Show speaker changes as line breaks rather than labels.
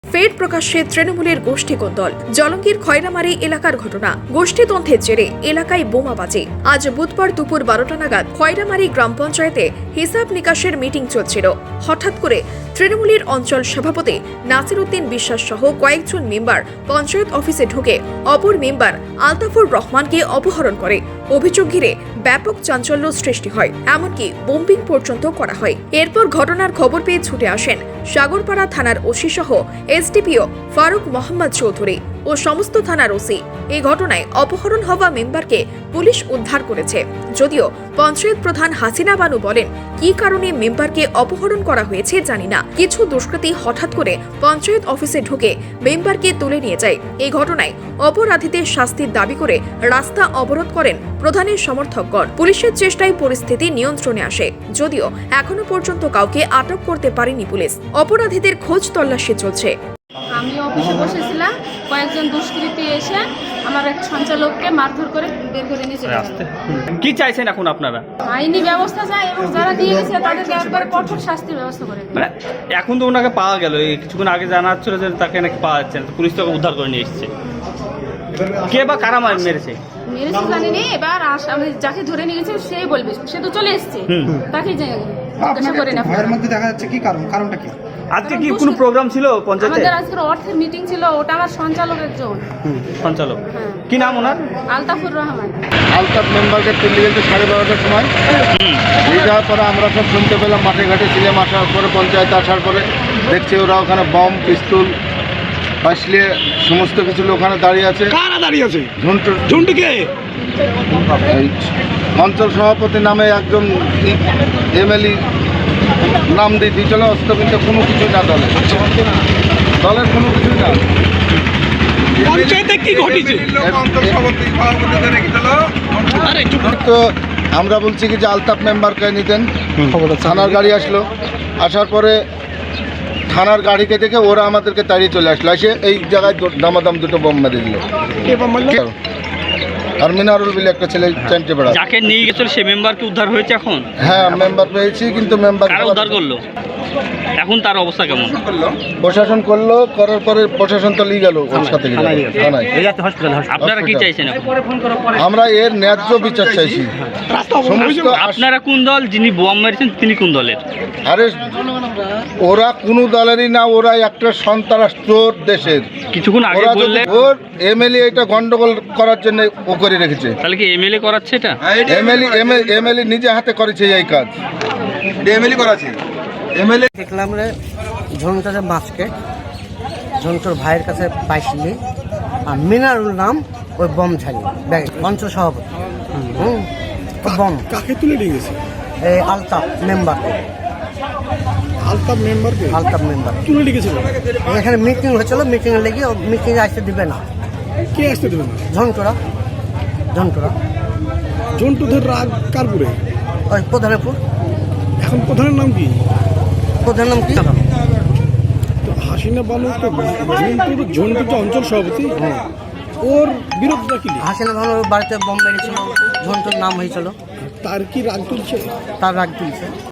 ফের প্রকাশ্যে তৃণমূলের গোষ্ঠী কোন্দল। জলঙ্গির খয়রামারি এলাকার ঘটনা। গোষ্ঠীদ্বন্দ্বের জেরে এলাকায় বোমাবাজি। আজ বুধবার দুপুর 12টা নাগাদ খয়রামারি গ্রাম পঞ্চায়েতে হিসাব নিকাশের মিটিং চলছিল। হঠাৎ করে তৃণমূলের অঞ্চল সভাপতি নাসির উদ্দিন বিশ্বাস সহ কয়েকজন মেম্বার পঞ্চায়েত অফিসে ঢুকে অপর মেম্বার আলতাফুর রহমানকে অপহরণ করে। অভিযোগ ঘিরে ব্যাপক চাঞ্চল্য সৃষ্টি হয়, এমনকি বোম্বিং পর্যন্ত করা হয়। এরপর ঘটনার খবর পেয়ে ছুটে আসেন সাগরপাড়া থানার ওসি সহ এসডিপিও ফারুক মোহাম্মদ চৌধুরী ও সমস্ত থানার ওসি। এই ঘটনায় অপহরণ হওয়া মেম্বারকে পুলিশ উদ্ধার করেছে। যদিও পঞ্চায়েত প্রধান হাসিনা বানু বলেন, কি কারণে মেম্বারকে অপহরণ করা হয়েছে জানি না। কিছু দুষ্কৃতী হঠাৎ করে পঞ্চায়েত অফিসে ঢুকে মেম্বারকে তুলে নিয়ে যায়। এই ঘটনায় অপরাধীদের শাস্তির দাবি করে রাস্তা অবরোধ করেন প্রধানের সমর্থকগণ। পুলিশের চেষ্টায় পরিস্থিতি নিয়ন্ত্রণে আসে, যদিও এখনো পর্যন্ত কাউকে আটক করতে পারেনি পুলিশ। অপরাধীদের খোঁজ তল্লাশি চলছে।
আমি অফিসে বসেছিলাম, কয়েকজন দুষ্কৃতী এসে আমার এক সঞ্চালককে মারধর করে বের করে নিয়ে চলে গেল।
কি চাইছেন এখন আপনারা?
আইনি ব্যবস্থা চাই এবং যারা দিয়ে গেছে তাদেরকে একবার কঠোর শাস্তির ব্যবস্থা করে।
মানে এখন তো ওনাকে পাওয়া গেল, এই কিছুক্ষণ আগে জানা যাচ্ছিল যে তাকে নাকি পাওয়া যাচ্ছে না, তো পুলিশ তাকে উদ্ধার করে নিয়ে এসেছে। কে বা কারা মেরেছে
মেরেছে জানি না, এবার আমি যাকে ধরে নিয়ে গেছে সেই বলবে, সে তো চলে এসছে, তাকেই জিজ্ঞাসা করে না।
ভয়ের মধ্যে দেখা যাচ্ছে কি কারণটা কি?
আজকে কি কোনো প্রোগ্রাম ছিল পঞ্চায়েতে?
আমাদের আজকের অর্থের মিটিং ছিল, ওটা আমার সঞ্চালকের জন্য।
সঞ্চালক
হ্যাঁ।
কি নাম ওনার?
আলতাফুর রহমান।
আলতাফ মেম্বারকে তুলে গেছে 12:30টার সময়। নিয়ে যাওয়ার পরে আমরা সব শুনতে পেলাম, মাঠে ঘাটে ছিলাম। আসার পরে পঞ্চায়েত আসার পরে দেখছি ওরা ওখানে বম, পিস্তল, ফাঁসলিয়ে সমস্ত কিছু লোক ওখানে দাঁড়িয়ে আছে।
কারা দাঁড়িয়ে আছে?
ঝুন্টুকে অঞ্চল সভাপতি নামে একজন এমএলএ নাম দিয়ে দিয়েছিল। অস্ত কিন্তু কোনো কিছু না, দলের কোনো কিছু না।
পঞ্চায়েতে কি ঘটেছে?
তো আমরা বলছি কি যে আলতাফ মেম্বারকে নিতেন। থানার গাড়ি আসলো, আসার পরে থানার গাড়িকে দেখে ওরা আমাদেরকে তাড়িয়ে চলে আসলো। এসে এই জায়গায় দামাদাম দুটো বোম মেরে দিল। আর মিনারুল বিলে একটা ছেলে চ্যান্টে বেড়া।
যাকে নিয়ে গেছিল সে মেম্বারকে উদ্ধার হয়েছে এখন?
হ্যাঁ, মেম্বার পেয়েছি, কিন্তু মেম্বার
কারা উদ্ধার করলো? এখন তার অবস্থা কেমন?
প্রশাসন করলো, করার পরে প্রশাসন তো নিয়ে গেল ওর সাথে থানায়।
আপনারা কি চাইছেন এখন?
আমরা এর ন্যায্য বিচার চাইছি। সমস্ত
আপনারা কোন দল? যিনি বোম মেরেছেন তিনি কোন দলের?
আরে ওরা কোনো দলেরই না, ওরা একটা সন্ত্রাস চোর দেশের।
কিছুক্ষণ আগে
ওরা যদি
বললে
ওর এমএলএ এটা গন্ডগোল করার জন্য ও করে রেখেছে।
তাহলে কি এমএলএ করাচ্ছে এটা?
এমএলএ নিজে হাতে করেছে এই কাজ। এমএলএ করাছে। এমএলএ
দেখলাম রে ঝন্টুর মাছকে, ঝন্টুর ভাইয়ের কাছে পাইছিলি, আর মিনারুল নাম ওই বম ছাড়ি ব্যাগ অঞ্চল সভাপতি। বম
কাকে তুলে নিয়ে গেছে?
এই আলতাফ মেম্বারকে।
আলতাফ মেম্বারকে
আলতাফ মেম্বার
তুলে নিয়ে গেছিল।
এখানে মিটিং হয়েছিল, মিটিংয়ে লেগে মিটিংয়ে আসতে দিবে না।
কে আসতে দেবে না?
ঝন্টুরা
জন্টুদের রাগ কারপুরে।
ওই প্রধানপুর।
এখন প্রধানের নাম কি?
প্রধান নাম কি?
তো হাসিনা বানু তো ঝন্টু তো অঞ্চল সভাপতি, ওর বিরোধিতা কি?
হাসিনা ভালো বাড়িতে বম মেরেছিল, ঝন্টুর নাম হয়েছিল,
তার কি রাগ তুলছে?
তার রাগ তুলছে।